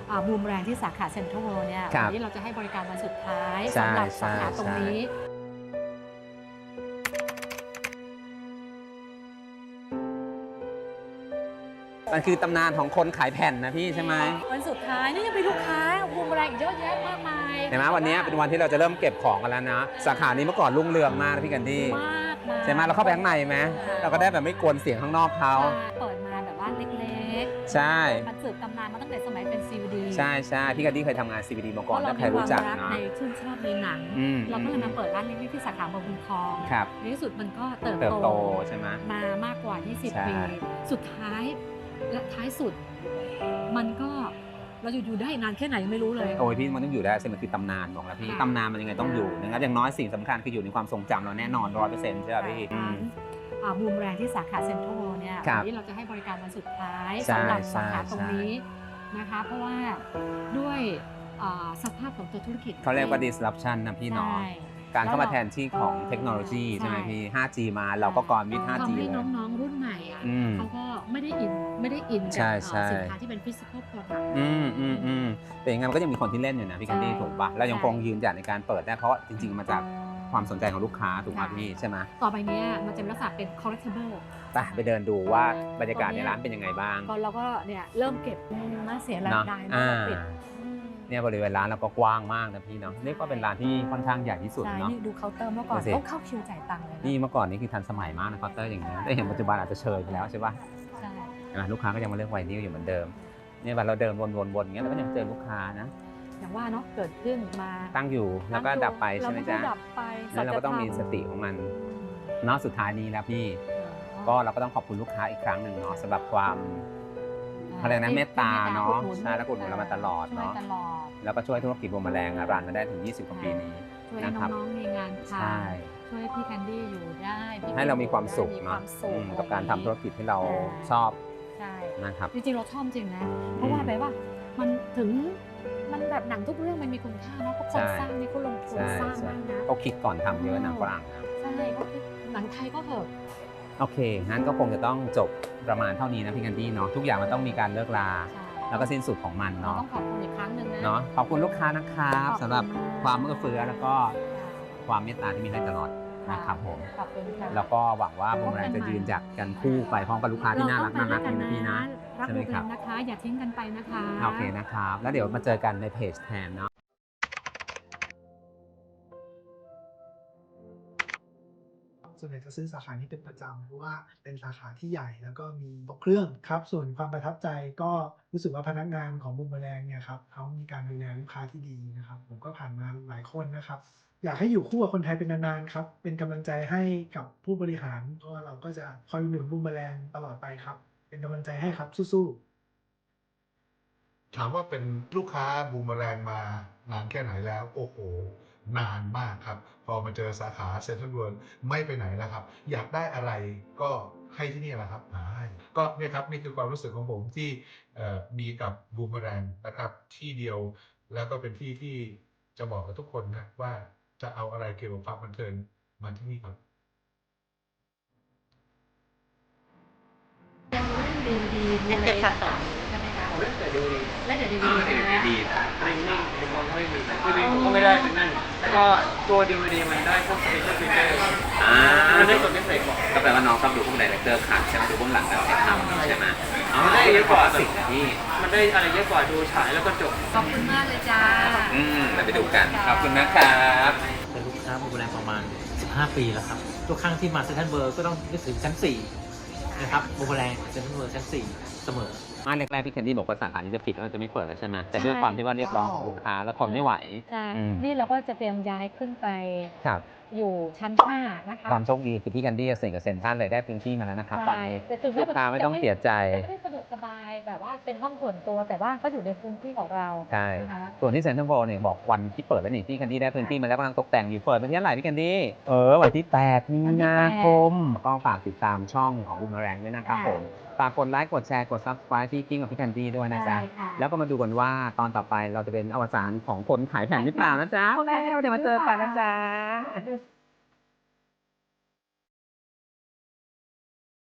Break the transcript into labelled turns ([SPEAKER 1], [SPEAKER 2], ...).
[SPEAKER 1] บูมแรงที่สาขาเซ็นทรัลเวิลด์เนี่ยวันนี้เราจะให้บริการวันสุดท้ายสำหรับสาขาตรงนี้
[SPEAKER 2] มันคือตำนานของคนขายแผ่นนะพี่ใช่ไหม
[SPEAKER 1] วันสุดท้ายนี่ยังมีลูกค้าบูมแรงอีกเยอะแยะมากมาย
[SPEAKER 2] เห็นไหมวันนี้เป็นวันที่เราจะเริ่มเก็บของกันแล้วนะสาขานี้เมื่อก่อนรุ่งเรืองมากนะพี่กันดี้ใช่ไหมเราเข้าไปข้างในไหมเราก็ได้แบบไม่กวนเสียงข้างนอกเขา
[SPEAKER 1] เปิดมาแบบว่าเล็ก
[SPEAKER 2] ๆใช่
[SPEAKER 1] มันสืบตำนานมาตั้งแต่สมัยเป็น CVD
[SPEAKER 2] ใช่ใช่พี่กันดี้เคยทำงาน CVD มาก่อนถ้าใครรู้จักเนาะ
[SPEAKER 1] ในชื่นชอบในหนังเราก็เลยมาเปิดร้านเล็กๆที่สาขาบางบุญคลองในที่สุดมันก็เติบโต
[SPEAKER 2] ใช่ไหม
[SPEAKER 1] มามากกว่า20 ปีสุดท้ายและท้ายสุดมันก็เราอยู่ได้นานแค่ไหนยังไม่รู้เลย
[SPEAKER 2] โอ้ยพี่มันต้องอยู่ได้สิมันคือตำนานบอกแล้วพี่ตำนานมันยังไงต้องอยู่นะครับอย่างน้อยสิ่งสำคัญคืออยู่ในความทรงจำเราแน่นอน 100% ใช่ไหมพี่
[SPEAKER 1] บูมแรงที่สาขาเซ็นทรัลเวิลด์เนี่ยวันนี้เราจะให้บริการวันสุดท้ายสำหรับสาขาตรงนี้นะคะเพราะว่าด้วยสภาพของตัวธุรกิจ
[SPEAKER 2] เขาเรียกว่า disruption นะพี่เนาะการเข้ามาแทนที่ของเทคโนโลยีใช่ไหมพี่ 5G มาเราก็ก่อนวิทย์ 5G
[SPEAKER 1] ทำให้น้องๆรุ่นใหม่เขาก็ไม่ได้อินกับสินค้าที่เป็น physical product
[SPEAKER 2] แต่ยังไงมันก็ยังมีคนที่เล่นอยู่นะพี่กันดี้ถูกปะเรายังคงยืนหยัดในการเปิดได้เพราะจริงๆมาจากความสนใจของลูกค้าถูกไหมพี่ใช่ไหม
[SPEAKER 1] ต่อไปนี้มันจะเป็นลักษณะเป็น collectible
[SPEAKER 2] ไปเดินดูว่าบรรยากาศในร้านเป็นยังไงบ้าง
[SPEAKER 1] ก็เราก็เนี่ยเริ่มเก็บมาเสียรายได้มาปิด
[SPEAKER 2] เนี่ยบริเวณร้านเราก็กว้างมากนะพี่เนาะเรียกว่าเป็นร้านที่ค่อนข้างใหญ่ที่สุดเนาะ
[SPEAKER 1] ดูเคาน์เตอร์เมื่อก่อนต้องเข้าคิวจ่ายตังค์เลย
[SPEAKER 2] นี่เมื่อก่อนนี่คือทันสมัยมากนะเคาน์เตอร์อย่างนี้แต่เห็นปัจจุบันอาจจะเชยไปแล้วใช่ป่ะ
[SPEAKER 1] ใช่
[SPEAKER 2] ลูกค้าก็ยังมาเลือกไวนิลอยู่เหมือนเดิมเนี่ยเราเดินวนๆอย่างเงี้ยเราก็ยังเจอลูกค้านะ
[SPEAKER 1] อย่างว่าเนาะเกิดขึ้นมา
[SPEAKER 2] ตั้งอยู่แล้วก็ดับไปใช่ไหมจ๊ะ
[SPEAKER 1] ดับไป
[SPEAKER 2] แล้วเราก็ต้องมีสติของมันเนาะสุดท้ายนี้แล้วพี่ก็เราก็ต้องขอบคุณลูกค้าอีกครั้งหนึ่งเนาะสำหรับความอะไรนะเมตตาเนาะใช่แล้วกดหนุนเรามาตลอดเนาะแล้วก็ช่วยธุรกิจบัวแมลงรันมาได้ถึง20 กว่าปีนี้
[SPEAKER 1] นะครับน้องๆมีงานทำช่วยพี่แคนดี้อยู่ได้
[SPEAKER 2] ให้เรามีความสุขเนาะกับการทำธุรกิจที่เราชอบนะครับ
[SPEAKER 1] จริงๆเราชอบจริงนะเพราะว่าแบบว่ามันถึงมันแบบหนังทุกเรื่องมันมีคุณค่าเนาะเพราะคนสร้างนี่เขาลงทุนสร้างมากนะ
[SPEAKER 2] เขาคิดก่อนทำเยอะหนังฝรั่ง
[SPEAKER 1] ใช่เขาคิดหนังไทยก็เถอะ
[SPEAKER 2] โอเคงั้นก็คงจะต้องจบประมาณเท่านี้นะพี่แคนดี้เนาะทุกอย่างมันต้องมีการเลิกลาแล้วก็สิ้นสุดของมันเนาะ
[SPEAKER 1] ต้องขอบคุณอีกครั้งหนึ่งนะ
[SPEAKER 2] เนาะขอบคุณลูกค้านะครับสำหรับความเอื้อเฟื้อแล้วก็ความเมตตาที่มีให้ตลอดนะครับผมแล้วก็หวังว่าบูมแรงจะยืนหยัดกันคู่ไปพร้อมกับลูกค้าที่น่ารักนี่นะพี่นะ
[SPEAKER 1] ใช่ไหมครับนะคะอย่าทิ้งกันไปนะคะ
[SPEAKER 2] โอเคนะครับแล้วเดี๋ยวมาเจอกันในเพจแทนเนาะ
[SPEAKER 3] ส่วนใหญ่จะซื้อสาขานี้เป็นประจำเพราะว่าเป็นสาขาที่ใหญ่แล้วก็มีครบเครื่องครับส่วนความประทับใจก็รู้สึกว่าพนักงานของบูมแมลงเนี่ยครับเขามีการดูแลลูกค้าที่ดีนะครับผมก็ผ่านมาหลายคนนะครับอยากให้อยู่คู่กับคนไทยเป็นนานๆครับเป็นกำลังใจให้กับผู้บริหารเพราะว่าเราก็จะคอยหนุนบูมแมลงตลอดไปครับเป็นกำลังใจให้ครับสู้
[SPEAKER 4] ๆถามว่าเป็นลูกค้าบูมแมลงมานานแค่ไหนแล้วโอ้โหนานมากครับพอมาเจอสาขาเซ็นทรัลเวิลด์ไม่ไปไหนแล้วครับอยากได้อะไรก็ให้ที่นี่แหละครับก็เนี่ยครับนี่คือความรู้สึกของผมที่มีกับบูมแมลงนะครับที่เดียวแล้วก็เป็นที่ที่จะบอกกับทุกคนนะว่าจะเอาอะไรเกี่ยวกับความบันเทิงมาที่นี่ครับ
[SPEAKER 1] ดีเนี่ยค่ะใช่ไหมคะแต่ดีและเดี๋ยวดี
[SPEAKER 5] นิ่งๆผมไม่มีคือดีก็ไม่ได้เป็นนั่นแล้วก็ตัวดีวดีมันได้พวกสเปเชียลฟีเจอร์มันได้ส่วนพิเศษกว่า
[SPEAKER 2] ก็แปลว่าน้องชอบดูพวกไดเรคเตอร์ขาดใช่ไหมดูเบื้องหลังการถ่ายทำใช่ไหม
[SPEAKER 5] มันได้เยอะกว่า
[SPEAKER 2] สิ่งที่
[SPEAKER 5] มันได้อะไรเยอะกว่าดูฉายแล้วก็จบ
[SPEAKER 1] ขอบคุณมากเลยจ้า
[SPEAKER 2] เราไปดูกันขอบคุณนะครับ
[SPEAKER 6] เป็นลูกค้าบูมแมลงประมาณ15 ปีแล้วครับทุกครั้งที่มาเซ็นทรัลเวิลด์ก็ต้องนึกถึงชั้น4นะครับบูมแมลงเซ็นทรัลเวิลด์ชั้น4เสมอ
[SPEAKER 2] แรกๆพี่แคนดี้บอกว่าสาขานี้จะปิดแล้วจะไม่เปิดแล้วใช่ไหมแต่ด้วยความที่ว่าเรียกร้องของลูกค้าแล้วทนไม่ไหว
[SPEAKER 1] ใช่นี่เราก็จะเตรียมย้ายขึ้นไปอยู่ชั้น5นะคะ
[SPEAKER 2] ความโชคดีคือพี่แคนดี้เซ็นกับเซ็นทรัลเลยได้พื้นที่มาแล้วนะครับตอนนี้ลูกค้าไม่ต้องเสียใจ
[SPEAKER 1] ไม่ได้สะดวกสบายแบบว่าเป็นห้องส่วนตัวแต่ว่าก็อยู่ในพื้นที่ของเรา
[SPEAKER 2] ใช่ส่วนที่เซ็นทรัลเวิลด์เนี่ยบอกวันที่เปิดแล้วนี่พี่แคนดี้ได้พื้นที่มาแล้วกำลังตกแต่งอยู่เปิดเป็นที่เท่าไหร่พี่แคนดี้วันที่8 มีนาคมก็ฝากติดตามช่องของบูมแมลงด้วยนะครับผมฝากกดไลค์กดแชร์กด Subscribe ที่กิ้งกับพี่แคนดี้ด้วยนะจ๊ะแล้วก็มาดูกันว่าตอนต่อไปเราจะเป็นอวสานของคนขายแผ่นหรือเปล่านะจ๊ะแล้วเดี๋ยวมาเจอกันนะจ๊ะ